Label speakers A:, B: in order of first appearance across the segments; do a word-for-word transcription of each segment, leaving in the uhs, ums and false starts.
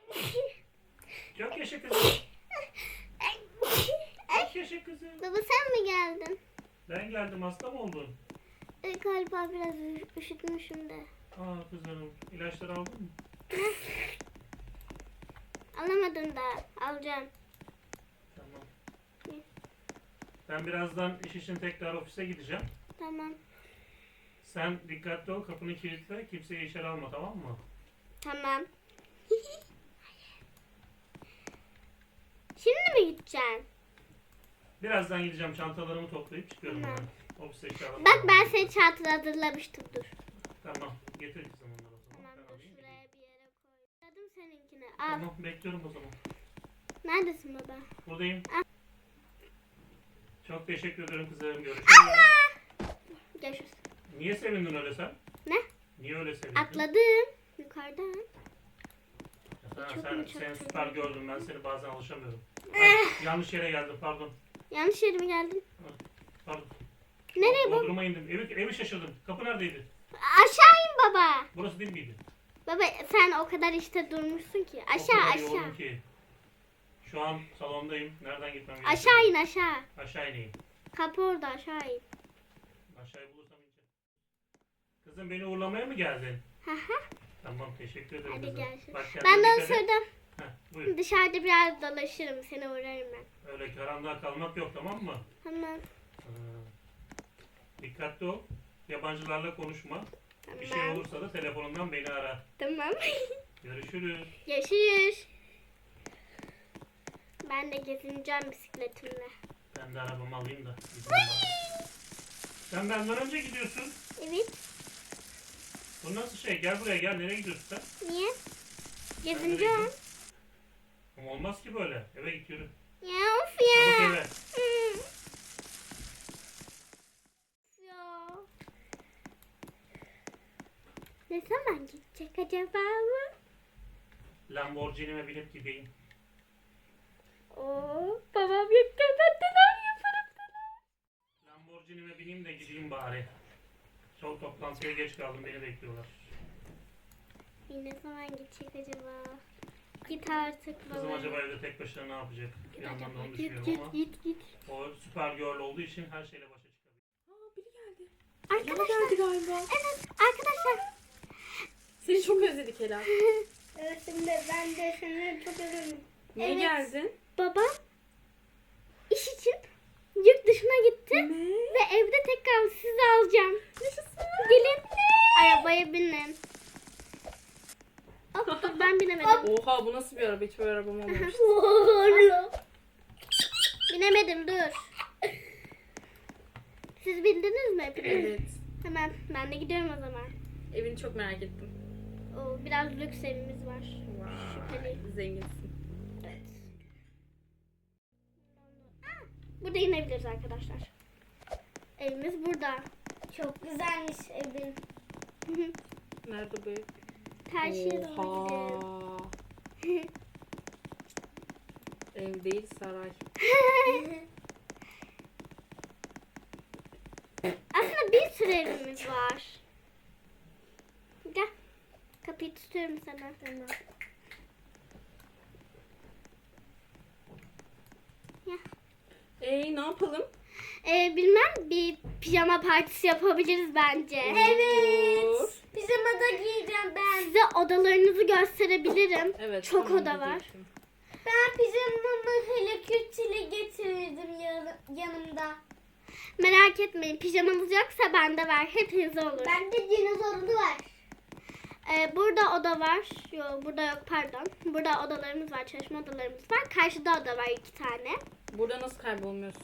A: Çok yaşa kızım. Çok yaşa kızım.
B: Baba sen mi geldin?
A: Ben geldim, hasta mı oldun?
B: E, galiba biraz ü- üşütmüşüm de.
A: Aa kızım, ilaçları aldın mı?
B: Alamadım da. Alacağım.
A: Tamam. Ben birazdan iş için tekrar ofise gideceğim.
B: Tamam.
A: Sen dikkatli ol, kapını kilitle, kimseyi içeri alma, tamam mı?
B: Tamam. Şimdi mi gideceksin?
A: Birazdan gideceğim, çantalarımı toplayıp çıkıyorum
B: Tamam.
A: ben. Ofise eşyalarımı
B: Bak ben
A: alayım.
B: seni çantada hazırlamıştım, dur.
A: Tamam, getir kızım onları o zaman.
B: Tamam
A: Ben
B: dur
A: alayım,
B: şuraya
A: gideyim.
B: bir yere koy. Aradım seninkini. Al.
A: Tamam, bekliyorum o zaman.
B: Neredesin baba?
A: Buradayım. Çok teşekkür ederim kızım, görüşürüz.
B: Görüşürüz.
A: Niye sevindin öyle sen?
B: Ne?
A: Niye öyle sevindin?
B: Atladım. Yukarıdan.
A: Ha,
B: Çok
A: sen,
B: mu çok
A: sen
B: çok
A: süper
B: mu?
A: gördüm, ben seni bazen alışamıyorum.
B: Eh.
A: Ay, yanlış yere geldim, pardon.
B: Yanlış yere mi geldin?
A: Pardon.
B: Nereye bu?
A: Bodrum'a indim. Evi, evi şaşırdım. Kapı neredeydi?
B: Aşağı in baba.
A: Burası değil miydi?
B: Baba sen o kadar işte durmuşsun ki.
A: O
B: Aşağı
A: kadar
B: aşağı.
A: yoğunum ki. Şu an salondayım. Nereden gitmem gerekiyor?
B: Aşağı in aşağı.
A: Aşağı ineyim.
B: Kapı orada, aşağı in.
A: Aşağıyı bulursam ineceğim. Kızım beni uğurlamaya mı geldin?
B: Hı hı.
A: Tamam, teşekkür ederim
B: Hadi
A: kızım.
B: görüşürüz.
A: Bak kendine
B: Ben de onu
A: dikkat et.
B: sürdüm.
A: Heh, buyur.
B: Dışarıda biraz dolaşırım. Seni uğrarım ben.
A: Öyle karanlığa kalmak yok, tamam mı?
B: Tamam.
A: Ha. Dikkatli ol. Yabancılarla konuşma.
B: Tamam.
A: Bir şey olursa da telefonundan beni ara.
B: Tamam.
A: Görüşürüz.
B: Görüşürüz. Ben de gezineceğim bisikletimle.
A: Ben de arabamı alayım da. gideyim bari. Sen benden önce gidiyorsun.
B: Evet.
A: Bu nasıl şey? Gel buraya gel. Nereye gidiyorsun sen?
B: Niye?
A: Sen nereye
B: Gezineceğim.
A: gidiyorsun? Ama olmaz ki böyle. Eve git yürü.
B: Ya of
A: Çabuk
B: ya.
A: eve.
B: Hmm. Ya. Ne zaman gidecek acaba mı?
A: Lamborghini'me binip gideyim.
B: Oo, babam yok neler yaparım sana.
A: Lamborghini'me bineyim de gideyim bari. Çok toplantıya geç kaldım. Beni bekliyorlar.
B: İyi, ne zaman gidecek acaba? Git artık baba.
A: Kızım acaba evde tek başına ne yapacak? Bir yandan da onu
B: Git
A: düşünüyorum
B: git
A: ama
B: git git.
A: o süper girl olduğu için her şeyle başa çıkabilir.
C: Aa, biri geldi.
B: Arkadaşlar.
C: Ela geldi galiba.
B: Evet arkadaşlar.
C: Seni çok özledik Ela.
B: Evet şimdi ben de seni çok özledim.
C: Niye
B: Evet.
C: geldin?
B: Babam iş için yurt dışına gitti
C: Ne?
B: ve evde tekrar sizi alacağım. Gelin arabaya binin. Hop, dur, ben binemedim.
C: Oha, bu nasıl bir araba? Hiç böyle arabam olmamış.
B: Binemedim dur. Siz bindiniz mi hepiniz?
C: Evet.
B: Hemen ben de gidiyorum o zaman.
C: Evini çok merak ettim.
B: O biraz lüks evimiz var. Şüpheli.
C: Vay, zenginsin.
B: Evet. Burada inebiliriz arkadaşlar. Evimiz burada. Çok güzelmiş evin.
C: Nerede bu ev?
B: Karşıya doğru gidelim.
C: Oha. Ev değil, saray.
B: Aslında bir sürü evimiz var. Gel. Kapıyı tutuyorum sana. Tamam.
C: Ee, ne yapalım?
B: Ee, bilmem bir pijama partisi yapabiliriz bence.
C: Olur.
B: Pijama da giyeceğim ben. Size odalarınızı gösterebilirim.
C: Evet.
B: Çok
C: tamam,
B: oda var.
C: diyecektim.
B: Ben pijamamı Hello Kitty'li getirdim yanımda. Merak etmeyin, pijamanız yoksa bende var. Hepinize olur. Bende dinozorlu var. Ee, burada oda var. Yok burada yok pardon. Burada odalarımız var, çalışma odalarımız var. Karşıda oda var iki tane.
C: Burada nasıl kaybolmuyorsun?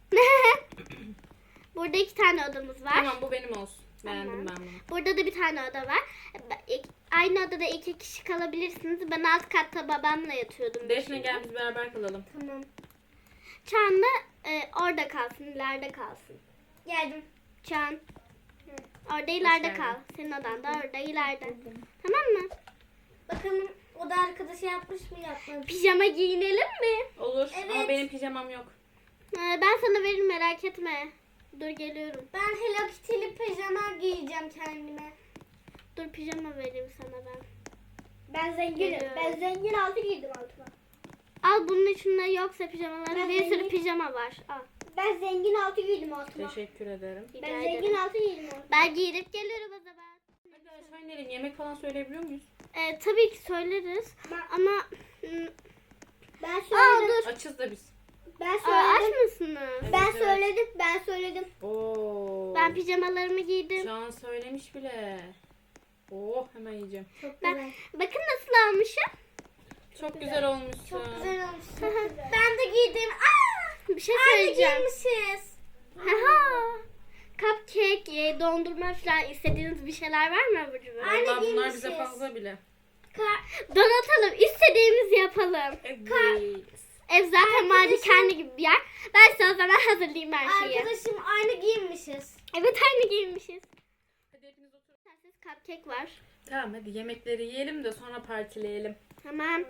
B: Burada iki tane odamız var.
C: Tamam, bu benim olsun. Beğendim
B: Tamam.
C: ben bunu.
B: Burada da bir tane oda var. İk- Aynı odada iki kişi kalabilirsiniz. Ben alt katta babamla yatıyordum.
C: Defne gel biz beraber kalalım.
B: Tamam. Çağan da e, orada kalsın, ileride kalsın. Geldim. Çağan. Orada ileride
C: geldin.
B: kal. Senin odan da orada ileride. Tamam mı?
D: Bakalım o da arkadaşı yapmış mı yapmamış.
B: Pijama giyinelim mi?
C: Olur ama
D: Evet.
C: benim pijamam yok.
B: Ee, ben sana veririm merak etme. Dur geliyorum.
D: Ben Hello Kitty'li pijama giyeceğim kendime.
B: Dur pijama vereyim sana ben.
D: Ben zenginim.
B: Evet.
D: Ben zengin altı giydim altıma.
B: Al bunun içinde yoksa pijamaları
D: Ben
B: bir sürü
D: zengin-
B: pijama var. Al.
D: Ben zengin altı giydim altıma.
C: Teşekkür ederim.
B: Rica
D: Ben
B: ederim.
D: zengin altı giydim altıma.
B: Ben giyinip geliyorum o zaman.
C: Hadi aşağı inelim. Yemek falan söyleyebiliyor muyuz?
B: Ee, tabii ki söyleriz
D: Ben-
B: ama hmm,
D: Ben
B: aa
D: söyledim.
B: dur.
C: Açız da biz.
D: Ben
B: Aa, aç
D: söyledim.
B: mısınız?
D: Ben
C: Evet, evet.
D: söyledim. Ben söyledim.
C: Oo.
B: Ben pijamalarımı giydim.
C: Can söylemiş bile. Oh hemen yiyeceğim.
D: Çok
B: Ben-
D: güzel.
B: Bakın nasıl almışım.
C: Çok güzel olmuşsun.
D: Çok güzel olmuş. Çok güzel. Ben de giydim. Aa!
B: Bir şey
D: Aynı
B: söyleyeceğim.
D: giymişiz.
B: Haha. Cupcake, e, dondurma falan istediğiniz bir şeyler var mı abur cubur?
D: Aynı
C: Vallahi bunlar bize
D: giymişiz.
C: fazla bile.
D: Ka-
B: Donatalım, istediğimizi yapalım.
C: Evet.
B: Ev zaten
D: Arkadaşım-
B: malikane gibi bir yer. Ben size o zaman hazırlayayım her şeyi.
D: Arkadaşım aynı giymişiz.
B: Evet, aynı giymişiz.
C: Hadi hepiniz oturun.
B: Sensiz cupcake var.
C: Tamam hadi yemekleri yiyelim de sonra partileyelim.
B: Tamam.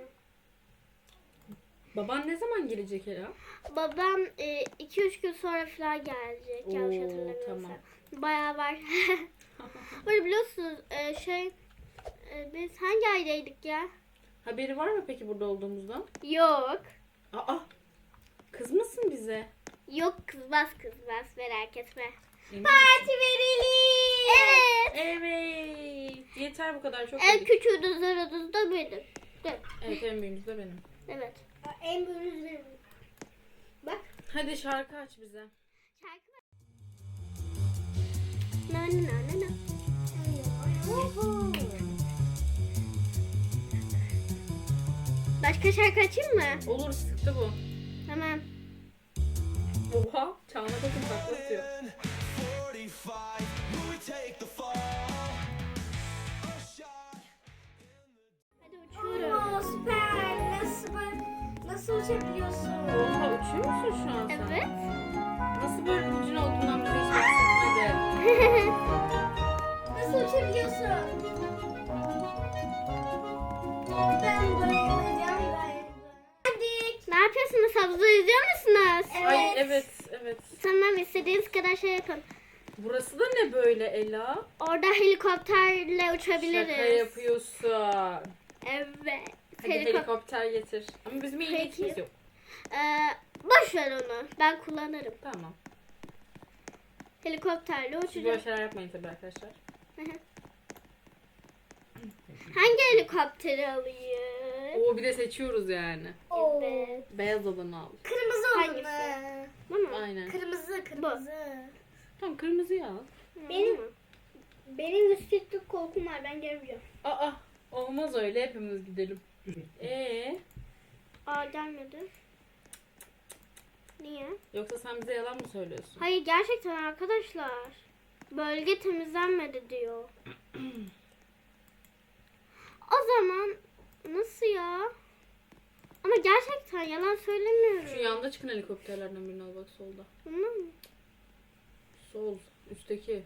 C: Baban ne zaman gelecek Ela?
B: Babam iki üç gün sonra falan gelecek. Yanlış
C: Oo,
B: hatırlamıyorsam.
C: tamam.
B: Bayağı var. Böyle biliyorsunuz e, şey e, biz hangi aydaydık ya?
C: Haberi var mı peki burada olduğumuzdan?
B: Yok.
C: Aa! Kızmasın bize.
B: Yok, kızmaz kızmaz, merak etme.
C: Emin
D: Parti verelim.
B: Evet.
C: Evet. Yeter bu kadar çok
B: En
C: yedik.
B: küçüğü de zararınız da benim. De.
C: Evet en büyüğümüz de benim.
B: Evet.
D: En büyüğünüz benim. Bak.
C: Hadi şarkı aç bize.
B: Şarkı ver. Na na na na. Başka şarkı açayım mı?
C: Olur sıktı bu.
B: Tamam.
C: Oha. Çağına bakın taklatıyor.
E: forty-five, will we take the fall? A shot.
B: Hadi uçuyorum.
D: Oo, süper. Nasıl nasıl uçabiliyorsun?
C: Oha uçuyor musun şu an sen?
B: Evet.
C: Nasıl böyle ucun olduğundan bize hiç bahsetmedi.
D: Nasıl uçabiliyorsun? Ben bayılacağım ben. Hadi.
B: Ne yapıyorsunuz? Havuzu izliyor musunuz?
C: Ay
D: Evet.
C: evet evet.
B: Tamam, istediğiniz kadar şey yapın.
C: Burası da ne böyle Ela?
B: Orada helikopterle uçabiliriz.
C: Şaka yapıyorsun.
B: Evet.
C: Hadi
B: Helikop-
C: helikopter getir. Ama bizim ehliyetimiz
B: Peki.
C: yok.
B: Ee, boş ver onu. Ben kullanırım.
C: Tamam.
B: Helikopterle
C: Siz böyle
B: uçacağım.
C: şeyler yapmayın tabii arkadaşlar.
B: Hangi helikopteri alayım?
C: Oo bir de seçiyoruz yani.
D: Oo.
B: Evet.
C: Beyaz olanı al.
D: Kırmızı
B: Hangisi?
D: olanı.
B: Bu mu?
C: Aynen.
D: Kırmızı, kırmızı.
C: Tamam kırmızıyı al.
D: Benim benim yükseklik korkum var. Ben gelmeyeceğim.
C: Aa olmaz öyle hepimiz gidelim. Ee
B: Aa, gelmedi. Niye?
C: yoksa sen bize yalan mı söylüyorsun?
B: Hayır, gerçekten arkadaşlar. Bölge temizlenmedi diyor. O zaman nasıl ya? Ama gerçekten yalan söylemiyorum.
C: Şu yanda çıkan helikopterlerden birini al bak solda.
B: Bunlar mı?
C: Sol üstteki.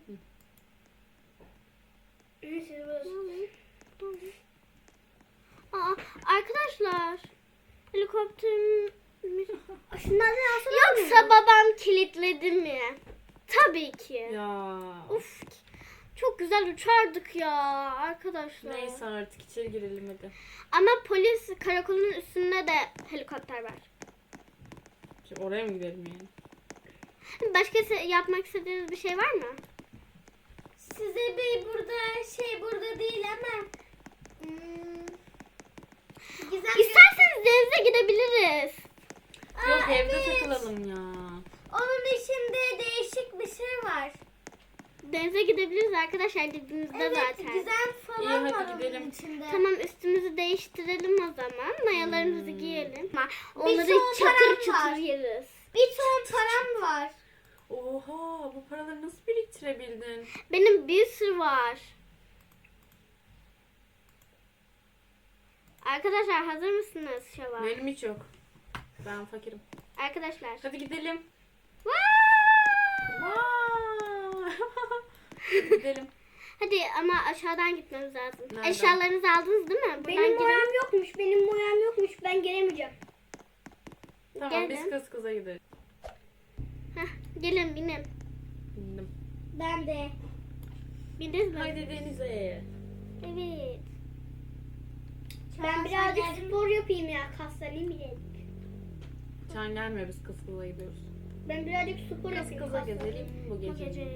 B: Aa, arkadaşlar. Helikopterim...
D: Şundan ne alsana?
B: Yoksa babam kilitledi mi? Tabii ki.
C: Ya.
B: Uf, çok güzel uçardık ya arkadaşlar.
C: Neyse artık içeri girelim hadi.
B: Ama polis karakolunun üstünde de helikopter var.
C: Şimdi oraya mı gidelim yani?
B: Başka se- yapmak istediğiniz bir şey var mı?
D: Size bir burada şey burada değil ama hmm, güzel bir-
B: İsterseniz denize gidebiliriz.
C: Yok
D: Aa,
C: evde
D: evet.
C: takılalım ya.
D: Onun içinde değişik bir şey var.
B: Denize gidebiliriz arkadaşlar, dediğinizde
D: Evet,
B: zaten.
D: güzel falan
C: İyi, hadi
D: var onun
C: gidelim.
D: içinde.
B: Tamam, üstümüzü değiştirelim o zaman. Mayalarımızı
C: Hmm.
B: giyelim. Ama onları
D: son
B: çatır
D: param
B: çatır
D: var.
B: yeriz.
D: Bir ton param var.
C: Oha bu paraları nasıl biriktirebildin?
B: Benim bir sürü var. Arkadaşlar hazır mısınız şova?
C: Benim hiç yok. Ben fakirim.
B: Arkadaşlar.
C: Hadi gidelim.
B: Wow!
C: Vay! Hadi gidelim.
B: Hadi ama aşağıdan gitmemiz lazım.
C: Nereden?
B: Eşyalarınızı aldınız değil mi? Buradan
D: Benim
B: gidin.
D: boyam yokmuş. Benim boyam yokmuş. Ben gelemeyeceğim.
C: Tamam
B: Geldim.
C: biz kız kıza gideriz.
B: Heh, gelin binin.
C: Bindim.
D: Ben de.
B: Bindiniz mi?
C: Haydi denize.
B: Evet. Ben birazcık spor yapayım ya. Kaslanayım birazcık.
C: Can gelmiyor, biz kız kıza gidiyoruz.
B: Ben birazcık spor
C: Kız
B: yapayım.
C: kıza
B: kaslanayım.
C: gezelim bu
B: Bu
C: gece.
B: gece.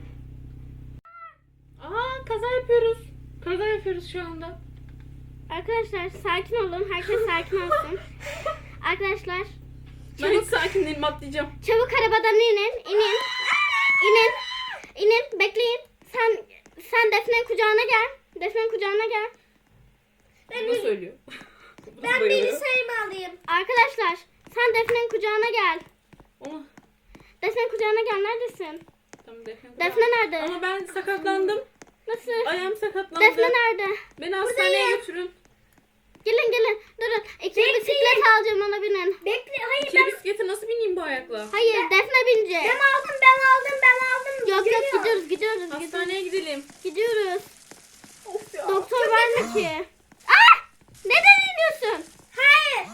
C: Aa, kaza yapıyoruz. Kaza yapıyoruz şu anda.
B: Arkadaşlar sakin olun. Herkes sakin olsun. Arkadaşlar
C: Ben hiç sakin değilim, atlayacağım.
B: çabuk arabadan inin. İnin. İnin. İnin. Bekleyin. Sen sen Defne'nin kucağına gel. Defne'nin kucağına gel.
C: Bu da söylüyor. Bu da
D: Ben
C: bayılıyor.
D: bilgisayarımı alayım.
B: Arkadaşlar sen Defne'nin kucağına gel.
C: Onu...
B: Defne'nin kucağına gel. Neredesin?
C: Tamam, Defne.
B: Defne nerede?
C: Ama ben sakatlandım.
B: Nasıl?
C: Ayağım sakatlandı.
B: Defne nerede?
C: Beni hastaneye götürün.
B: Gelin gelin. Durun. İki bisiklet alacağım, ona binin.
D: Bekle. Hayır
C: İki bisiklete nasıl bineyim bu ayakla?
B: Hayır, Defne binecek.
D: ben aldım ben aldım ben aldım.
B: Yok yok,
D: Geliyor.
B: gidiyoruz gidiyoruz gidiyoruz.
C: Hastaneye gidelim.
B: Gidiyoruz.
C: Of ya.
B: Doktor var mı ki? Ah! Neden iniyorsun?
D: Hayır.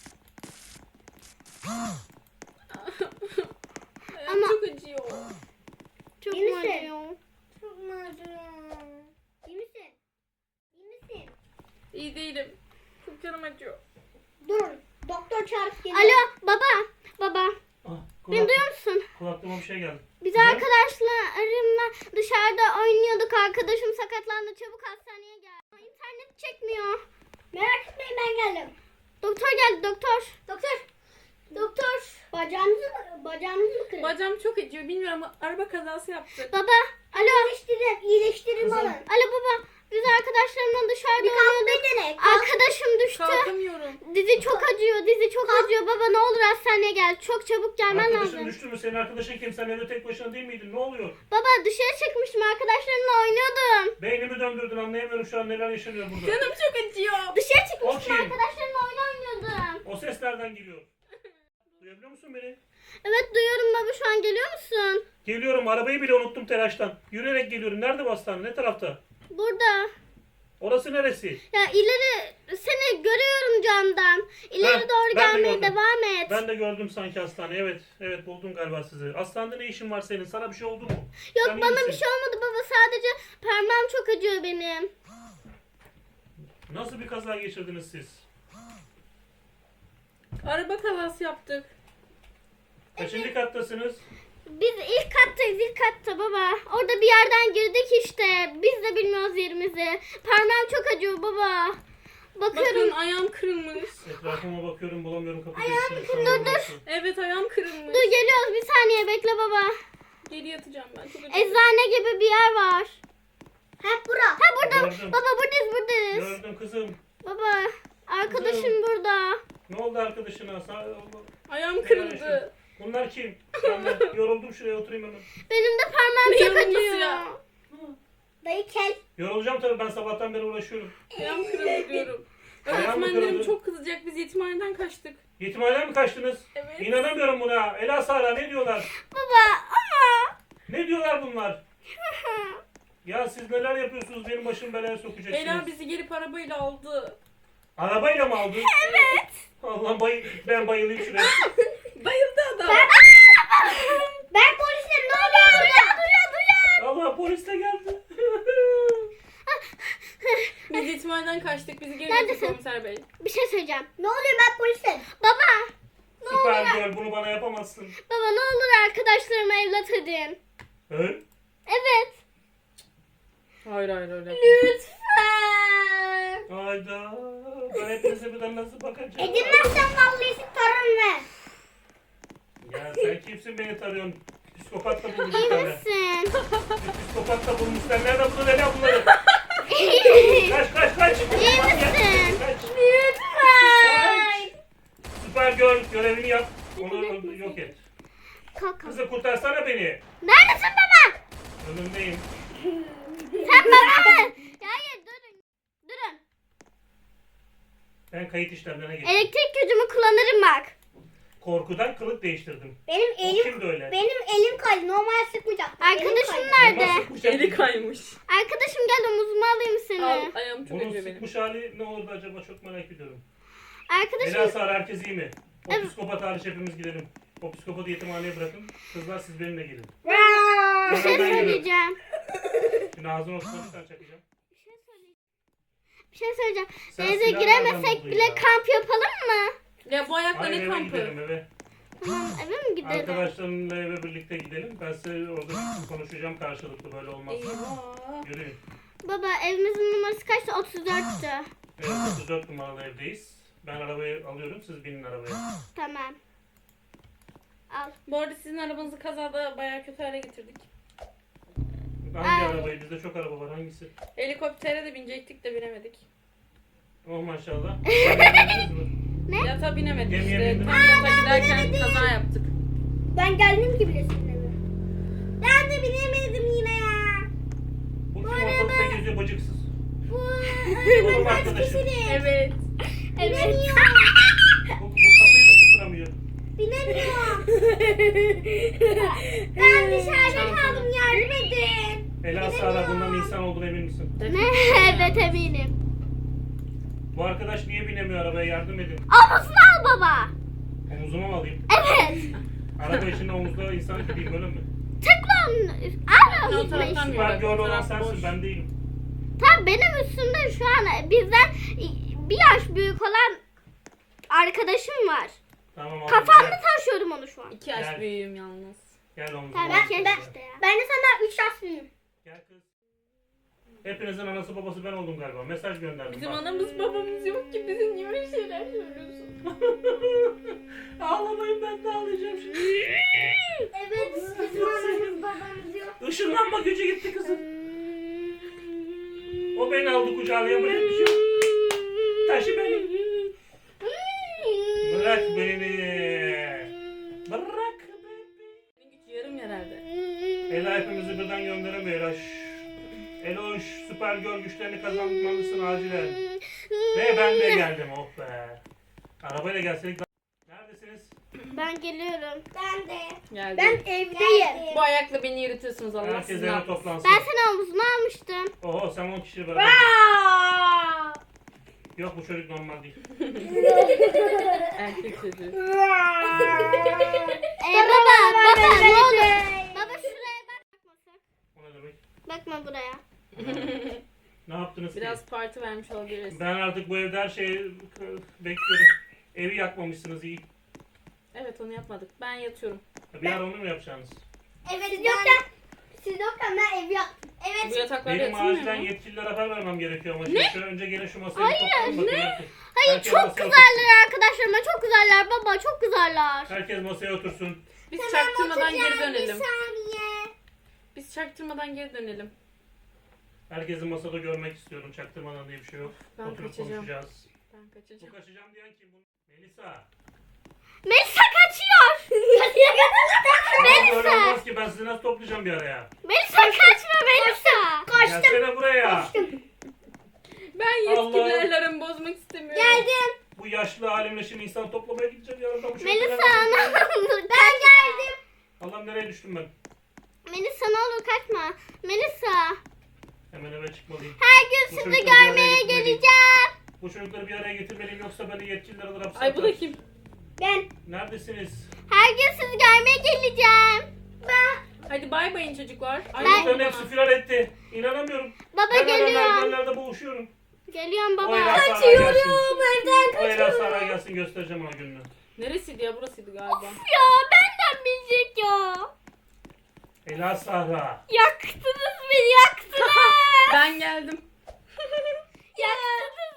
C: Ayağım
B: Ama-
C: çok acıyor.
B: Çok
D: İyi
B: mu
D: misin?
B: acıyor?
D: Çok mu acıyor? İyi misin? İyi misin?
C: İyi değilim. Çok canım acıyor.
D: Durun. Doktor çağırıp geliyor.
B: Alo baba. Baba.
A: Ah,
B: Beni
A: kulak,
B: duyuyor musun?
A: kulaklığıma bir şey geldi.
B: Biz
A: Ne?
B: arkadaşlarımla dışarıda oynuyorduk. Arkadaşım sakatlandı. Çabuk hastaneye gel. İnternet çekmiyor.
D: Merak etmeyin ben geldim.
B: Doktor geldi doktor.
D: Doktor. Doktor. Bacağınızı mı? Bacağınızı mı kırın?
C: Bacağım çok acıyor. Bilmiyorum ama araba kazası yaptık.
B: Baba. Alo.
D: İyileştirin. İyileştirin
A: Kızım.
D: alın.
B: Alo baba. Biz arkadaşlarımla dışarıda
D: Bir kalk
B: oynuyorduk.
D: bir dene. Kalk.
B: Arkadaşım düştü.
C: Kalkamıyorum.
B: Dizi çok acıyor. Dizi çok acıyor. Baba ne olur hastaneye gel. Çok çabuk gelmen
A: Arkadaşın
B: lazım.
A: düştü mü? Senin arkadaşın kim? Sen evde tek başına değil miydin? Ne oluyor?
B: Baba dışarı çıkmıştım. Arkadaşlarımla oynuyordum.
A: Beynimi döndürdün, anlayamıyorum şu an neler yaşanıyor burada.
C: Canım çok acıyor.
B: Dışarı çıkmıştım.
A: Okey.
B: Arkadaşlarımla oyun oynuyordum.
A: O ses nereden geliyor? Duyabiliyor musun beni?
B: Evet duyuyorum baba, şu an geliyor musun?
A: Geliyorum, arabayı bile unuttum telaştan. Yürüyerek geliyorum. Nerede bu hastane? Ne tarafta?
B: Burada.
A: Orası neresi?
B: Ya ileri seni görüyorum camdan. İleri
A: Ha,
B: doğru
A: ben de
B: gelmeye
A: gördüm.
B: devam et.
A: Ben de gördüm sanki hastane. Evet, evet buldum galiba sizi. Hastanede ne işin var senin? Sana bir şey oldu mu?
B: Yok
A: Sen iyi
B: bana
A: misin?
B: bir şey olmadı baba, sadece parmağım çok acıyor benim.
A: Nasıl bir kaza geçirdiniz siz?
C: Araba kazası yaptık.
A: Kaçıncı kattasınız?
B: Biz ilk kattayız, ilk katta baba. Orada bir yerden girdik işte. Biz de bilmiyoruz yerimizi. Parmağım çok acıyor baba. Bakıyorum.
C: Bakın ayağım kırılmış.
A: Etrafıma bakıyorum, bulamıyorum kapı
B: Ayağım
A: geçişini.
B: dur, dur.
C: Evet, ayağım kırılmış.
B: Dur geliyoruz, bir saniye bekle baba.
C: Geri yatacağım ben. Çok acıyor.
B: Eczane gibi bir yer var.
D: Hep bura.
B: Ha burada.
A: Gördüm.
B: Baba buradayız buradayız.
A: Gördüm kızım.
B: Baba arkadaşım
A: Kızım.
B: burada.
A: Ne oldu arkadaşına? Sağ...
C: Ayağım kırıldı.
A: Bunlar kim? Ben de yoruldum, şuraya oturayım hemen.
B: Benim de parmağım
C: Ne
B: çok
C: yorulması
B: acıyor.
C: ya?
D: Dayı kel.
A: Yorulacağım tabii, ben sabahtan beri uğraşıyorum.
C: Ayağım kırıldı diyorum.
A: Ayağım mı
C: Öğretmenlerim
A: kırıldı?
C: çok kızacak. Biz yetimhaneden kaçtık.
A: Yetimhaneden mi kaçtınız?
C: Evet.
A: İnanamıyorum buna. Ela Sara ne diyorlar?
B: Baba ama.
A: Ne diyorlar bunlar? Ya siz neler yapıyorsunuz, benim başım belaya sokacaksınız.
C: Ela bizi gelip arabayla aldı.
A: Arabayla mı aldın?
B: Evet.
A: Allah bay ben bayılayım şuraya.
C: Bayıldı adam.
D: Ben polisim ne oluyor?
B: Duyan duyan duyan.
A: Allah polis de geldi.
C: Biz yetimhaneden kaçtık. Bizi geri
B: Neredesin?
C: götürdü komiser bey.
B: Bir şey söyleyeceğim.
D: Ne oluyor ben polisim?
B: Baba.
A: Süper girl, bunu bana yapamazsın.
B: Baba ne olur arkadaşlarıma evlat edin.
A: He?
B: Evet.
C: Hayır hayır öyle.
B: Lütfen.
A: Hayda. Ben hepinize birden nasıl bakacağım?
D: Edinmezsen vallahi tarım ver.
A: Ya sen kimsin beni tarıyorsun? Psikopat da bulmuş
B: İyi
A: bir tane.
B: misin?
A: Psikopat da bulmuş. Sen nereden buldun Ela bunları?
B: İyi
A: Kaç kaç kaç.
B: misin?
A: Kaç.
B: Lütfen.
A: Süper girl, görevini yap. Onu yok et.
B: Kalk kalk.
A: Kızı kurtarsana beni.
B: Neredesin baba?
A: Önümdeyim.
B: Sen baba. Ya hayır durun. Durun.
A: Ben kayıt işlemlerine geçtim.
B: Elektrik gücümü kullanırım bak.
A: Korkudan kılık değiştirdim.
D: Benim
A: O
D: elim
A: kimdi öyle?
D: benim elim kaydı. Normal sıkmayacaktım. Elim
B: Arkadaşım
D: kaydı.
B: nerede?
A: Normal sıkmış
C: Eli
A: hali-
C: kaymış.
B: Arkadaşım gel omuzuma alayım seni.
C: Al, ayağım çok
A: Bunun
C: acıyor benim.
A: sıkmış hali ne oldu acaba, çok merak ediyorum.
B: Arkadaşım
A: Ela Sara, herkes iyi mi? O
B: Evet.
A: psikopat hariç hepimiz gidelim. O psikopatı yetimhaneye bırakın. Kızlar siz benimle gelin.
B: bir şey
A: Ben gidiyorum.
B: söyleyeceğim.
A: Şimdi ağzına oturma bir tane çakacağım.
B: Bir şey söyleyeceğim. Bir şey söyleyeceğim.
A: Sen
B: Denize
A: silah
B: giremesek
A: nereden buldun
B: bile
A: ya?
B: kamp yapalım mı?
C: Ya bu ayakla
A: Hayır
C: ne
A: eve
C: kampı?
A: gidelim eve.
B: Tamam eve mi gidelim?
A: Arkadaşlarımla eve birlikte gidelim. Ben size orada konuşacağım karşılıklı böyle olmaz.
C: Eyvah.
A: Yürüyün.
B: Baba evimizin numarası kaçtı? otuz dörttü.
A: Evet otuz dört numaralı evdeyiz. Ben arabayı alıyorum siz binin arabaya.
B: Tamam. Al.
C: Bu arada sizin arabanızı kazada bayağı kötü hale getirdik.
A: Hangi
B: Ay.
A: arabayı? Bizde çok araba var hangisi?
C: Helikoptere de binecektik de binemedik.
A: Oh maşallah. Bindiniz mi?
C: Yata binemedik
A: Gemiye
C: işte.
A: bindim.
C: Tam yata giderken kaza yaptık.
D: Ben geldim ki bile seninle. Ben de binemedim yine ya.
A: Bu kim ortalıkta geziyor bacıksız?
D: Bu
A: Oğlum arkadaşım.
C: Evet.
B: Evet.
A: Bu, bu kapıyı da tutturamıyor.
D: Binemiyorum. Ben dışarıda kaldım, yardım edin.
A: Ela Sara bundan insan olduğuna emin misin?
B: Ne? Evet eminim.
A: Bu arkadaş niye binemiyor arabaya yardım edin.
B: Omuzunu al baba.
A: Omuzuma mı alayım?
B: Evet.
A: Araba içinde omuzda insan gibiyim öyle mi?
B: Tıkla onun. Al
C: O
B: omuzunu
C: taraftan
B: işte.
C: mı?
A: Süper
C: bak,
A: girl
C: bu
A: olan
C: taraf
A: sensin
C: boş.
A: ben değilim.
B: Tam benim üstümde şu an bizden bir yaş büyük olan arkadaşım var.
A: Tamam abi
B: Kafamda
A: gel.
B: taşıyorum onu şu an.
C: İki yaş
A: Gel.
C: büyüğüm yalnız.
A: Gel omuzuma.
B: Tamam
A: omuzuma
B: ben,
A: gel.
B: işte ya.
D: Ben de senden üç yaş büyüğüm.
A: Gel kız. Hepinizin anası babası ben oldum galiba. Mesaj gönderdim.
C: Bizim
A: bak.
C: anamız babamız yok ki bize niye öyle şeyler söylüyorsun?
A: Ağlamayın ben de ağlayacağım şimdi.
D: Evet, bizim anamız babamız yok.
A: Işınlanma gücü gitti kızım. O beni aldı kucağına yapacak bir şey yok. Taşı beni. Bırak beni. Bırak beni.
C: Benim güç yarım herhalde.
A: Ela hepimizi birden gönderemiyor Ela. Şşş. Ela şu süper gör güçlerini kazanmalısın acilen. Ve ben de geldim oh be. Arabayla gelseydik daha... Neredesiniz?
B: Ben geliyorum.
D: Ben de.
C: Geldi.
D: Ben evdeyim.
C: Bu ayakla beni yürütüyorsunuz Allah
A: Herkes
C: sizin
A: eve
C: affetsin.
A: toplansın.
B: Ben seni omuzuna almıştım.
A: Oho sen on kişiyle beraber.
D: Aa!
A: Yok bu çocuk normal değil.
C: Erkek çocuğu.
B: Ee, baba baba ne olur. Baba şuraya bak. Bakmasak.
A: O ne demek?
B: Bakma buraya.
A: Ne yaptınız
C: Biraz
A: ki?
C: parti vermiş olabiliriz.
A: Ben artık bu evde her şeyi k- bekliyorum. Evi yakmamışsınız iyi.
C: Evet onu yapmadık. Ben yatıyorum.
A: Bir ara onu mu yapacaksınız?
D: Evet, siz yokken, siz yokken ben ev yaptım.
C: Bu
D: Evet.
C: yataklarda
A: Benim
C: yatılmıyor
A: acilen
C: mu?
A: yetkililere haber vermem gerekiyor ama. Şimdi şöyle önce gelin şu masayı
B: Hayır,
A: toplayın bakın.
B: ne?
A: Herkes,
B: Hayır
A: herkes
B: çok
A: masaya
B: güzeller arkadaşlarıma çok güzeller baba çok güzeller.
A: otursun. Herkes masaya otursun.
C: Biz çaktırmadan geri
D: Oturacağım,
C: dönelim.
D: Bir saniye.
C: Biz çaktırmadan geri dönelim.
A: Herkesi masada görmek istiyorum. Çaktırmadan diye bir şey yok.
C: Ben
A: Oturup
C: kaçacağım.
A: konuşacağız.
C: Ben
A: Bu
C: kaçacağım.
A: kaçacağım diyen kim? Bu? Melisa.
B: Melisa kaçıyor.
A: Ama böyle olmaz ki ben sizi nasıl toplayacağım bir araya?
B: Melisa kaçma Melisa.
D: Kaçtım.
A: Gelsene buraya.
C: Ben yetkililerle aramı bozmak istemiyorum.
D: Geldim.
A: Bu yaşlı halimle şimdi insan toplamaya gideceğim yarın da bu
B: Melisa
A: şarkılar-
B: ana. Ben geldim.
A: Allah'ım nereye düştüm ben?
B: Melisa ne olur kaçma. Melisa.
A: Hemen eve çıkmalıyım.
B: Her gün
A: Bu
B: sizi
A: çocukları bir araya
B: görmeye
A: getirmeliyim.
B: geleceğim.
A: Bu çocukları bir araya getirmeliyim yoksa beni yetkililer alır hapse
C: Ay bu
A: atar.
C: da kim?
D: Ben.
A: Neredesiniz?
B: Her gün sizi görmeye geleceğim.
C: Hadi bay bayın çocuklar. Ay,
A: Çocukların
C: bana.
A: hepsi firar etti. İnanamıyorum.
B: Baba
A: Ben hala
B: geliyorum.
A: merdivenlerde boğuşuyorum.
B: Geliyorum
A: O Ela
B: baba.
A: Sara gelsin.
D: Evden
A: O Ela Sara gelsin göstereceğim ona gününü.
C: Neresiydi ya? Burasıydı galiba.
B: Ya benden bilecek ya.
A: Ela Sara.
B: Yaktınız beni yaktınız.
C: Ben geldim.
B: yaktınız